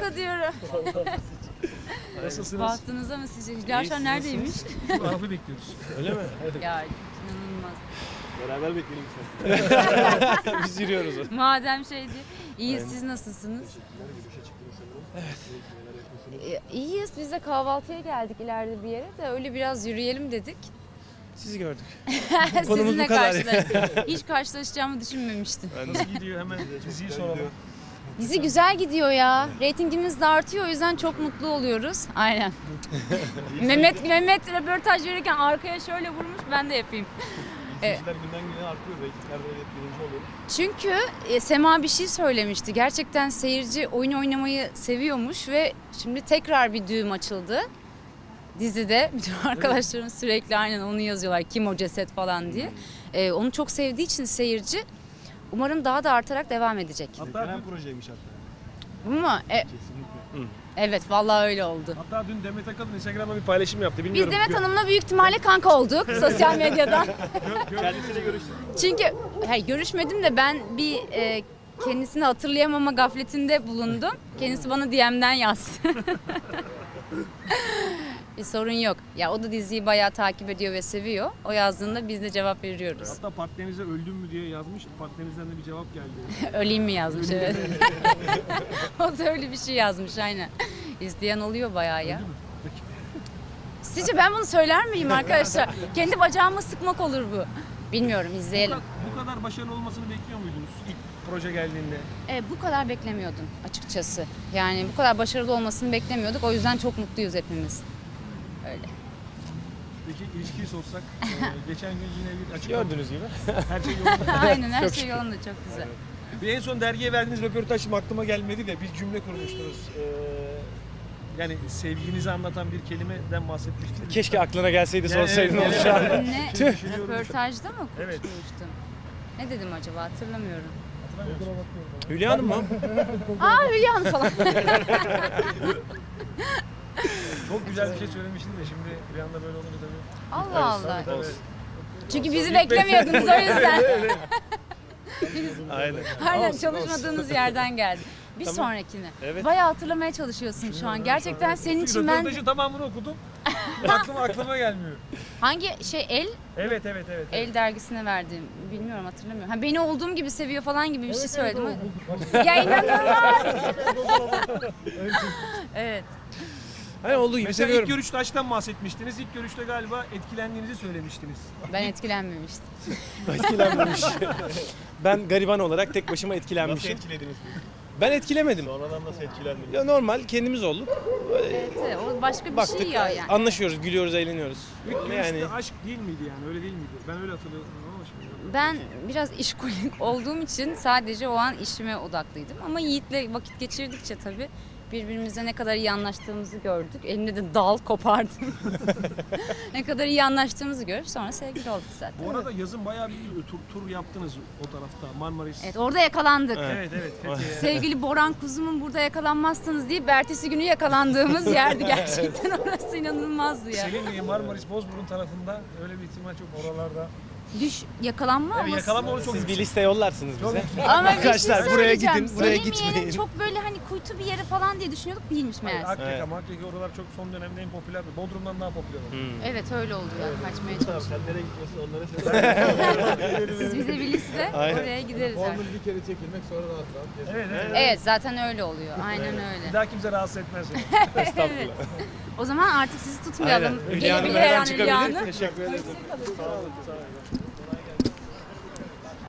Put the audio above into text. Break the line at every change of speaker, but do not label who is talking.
bahtınıza diyorum.
Nasılsınız?
Bahtınıza mı sizce? Hülya Avşar neredeymiş?
Şimdi Arap'ı bekliyoruz.
Öyle mi?
Ya inanılmaz.
Beraber bekleyelim sen. Biz yürüyoruz.
Madem şeydi. İyiyiz, siz nasılsınız? İyiyiz. Biz de kahvaltıya geldik ileride bir yere de öyle biraz yürüyelim dedik.
Sizi gördük.
Sizinle
bu kadar.
Hiç karşılaşacağımı düşünmemiştim.
Nasıl gidiyor hemen diziyi soralım.
Dizi güzel gidiyor ya. Reytingimiz de artıyor, o yüzden çok mutlu oluyoruz. Aynen. Mehmet röportaj verirken arkaya şöyle vurmuş, ben de yapayım.
İzleyiciler günden güne artıyor. Reytinglerde evet birinci oluyor.
Çünkü Sema bir şey söylemişti. Gerçekten seyirci oyun oynamayı seviyormuş ve şimdi tekrar bir düğüm açıldı dizide. Bütün arkadaşlarım sürekli aynen onu yazıyorlar. Kim o ceset falan diye. Onu çok sevdiği için seyirci umarım daha da artarak devam edecek.
Hatta bir projeymiş hatta.
Bu mu?
Kesinlikle.
Evet, vallahi öyle oldu.
Hatta dün Demet Akalın Instagram'da bir paylaşım yaptı.
Biz
Bilmiyorum.
Demet Hanım'la büyük ihtimalle kanka olduk sosyal medyadan.
Kendisiyle görüştüm.
Çünkü görüşmedim de ben bir kendisini hatırlayamama gafletinde bulundum. Kendisi bana DM'den yazdı. Bir sorun yok. Ya o da diziyi bayağı takip ediyor ve seviyor. O yazdığında biz de cevap veriyoruz.
Hatta partnerinize öldüm mü diye yazmış. Partnerinizden de bir cevap geldi.
Öleyim mi yazmış, evet. O da öyle bir şey yazmış aynen. İzleyen oluyor bayağı ya. Sizce ben bunu söyler miyim arkadaşlar? Kendi bacağımı sıkmak olur bu. Bilmiyorum, izleyelim.
Bu kadar başarılı olmasını bekliyor muydunuz ilk proje geldiğinde?
Bu kadar beklemiyordum açıkçası. Yani bu kadar başarılı olmasını beklemiyorduk. O yüzden çok mutluyuz hepimiz. Öyle.
Peki ilişkiyi sorsak, geçen gün yine bir açıklama.
Gördüğünüz gibi.
Her şey yolunda.
Aynen, her şey yolunda, çok güzel.
Bir en son dergiye verdiğiniz röportaj şimdi aklıma gelmedi de bir cümle kurmuştunuz. Yani sevginizi anlatan bir kelimeden bahsetmiştiniz.
Keşke aklına gelseydi
Yani
sorsaydın
evet,
onu
evet.
şu an.
Ne?
Düşünüyorum.
Röportajda mı
Evet.
konuşmuştum? Ne dedim acaba, hatırlamıyorum.
Hülya Hanım mı?
Aa, Hülya Hanım falan.
Çok güzel bir şey söylemiştin de şimdi bir anda böyle olunca tabii.
Allah Allah.
Tabii.
Çünkü bizi beklemiyordunuz o yüzden.
Aynen.
Aynen,
Olsun,
çalışmadığınız yerden geldi. Bir
Tamam.
sonrakini.
Evet.
Bayağı hatırlamaya çalışıyorsun şu an. Gerçekten senin için ben...
Röportajın tamamını okudum. aklıma gelmiyor.
Hangi şey,
Evet.
El dergisine verdiğim, bilmiyorum, hatırlamıyorum. Ha, beni olduğum gibi seviyor falan gibi bir şey söyledim. Ya inanılmaz. Evet.
Hani olduğu gibi
Mesela
seviyorum.
ilk görüşte aşktan bahsetmiştiniz. İlk görüşte galiba etkilendiğinizi söylemiştiniz.
Ben etkilenmemiştim.
Etkilenmemiş. Ben gariban olarak tek başıma
Nasıl
etkilenmişim.
etkilediniz?
Ben etkilemedim.
Sonradan nasıl etkilendiniz?
Ya normal kendimiz olduk.
Evet, o başka bir
Baktık,
şey ya yani.
anlaşıyoruz, gülüyoruz, eğleniyoruz.
İlk görüşte
Yani
aşk değil miydi yani? Öyle değil miydi? Ben öyle hatırlıyorum ama şimdi.
Ben biraz işkolik olduğum için sadece o an işime odaklıydım. Ama Yiğit'le vakit geçirdikçe tabii birbirimize ne kadar iyi anlaştığımızı gördük. Elimde de dal kopardım. Ne kadar iyi anlaştığımızı görüp sonra sevgili olduk zaten.
Bu arada yazın bayağı bir tur yaptınız o tarafta. Marmaris.
Evet, orada yakalandık.
Evet. Fethiye.
Sevgili Boran Kuzumun, burada yakalanmazsanız deyip ertesi günü yakalandığımız yerdi gerçekten. Orası inanılmazdı ya.
Selimiye, Marmaris, Bozburun tarafında öyle bir ihtimal çok oralarda.
Yakalanma
Evet,
ama...
yakalanma onu çok
siz bir liste yollarsınız bize.
Ama
Arkadaşlar,
bir şey
buraya
söyleyeceğim.
gidin, buraya
Selimiye'nin
gitmeyin.
çok böyle hani kuytu bir yeri falan diye düşünüyorduk, değilmiş meğerse.
Akyaka, Makyaka oralar çok son dönemde en popülerdi. Bodrum'dan daha popüler oldu.
Evet, öyle oldu ya. Kaçmaya
Tamam,
çalıştık.
sen nereye gitmiyorsun onlara söyle.
Siz bize bir liste,
Aynen.
oraya gideriz artık.
Formül bir kere çekilmek sonra rahat rahat gezmek.
Evet.
Evet, zaten öyle oluyor. Aynen
Bir
öyle.
daha kimse rahatsız etmez seni.
Evet. O zaman artık sizi tutmayalım.
Aynen. Hülya Hanım
Gelebilir
her
her
an
an Hülya
çıkabilir.
Hanım.
Teşekkür ederim.
Sağ olun.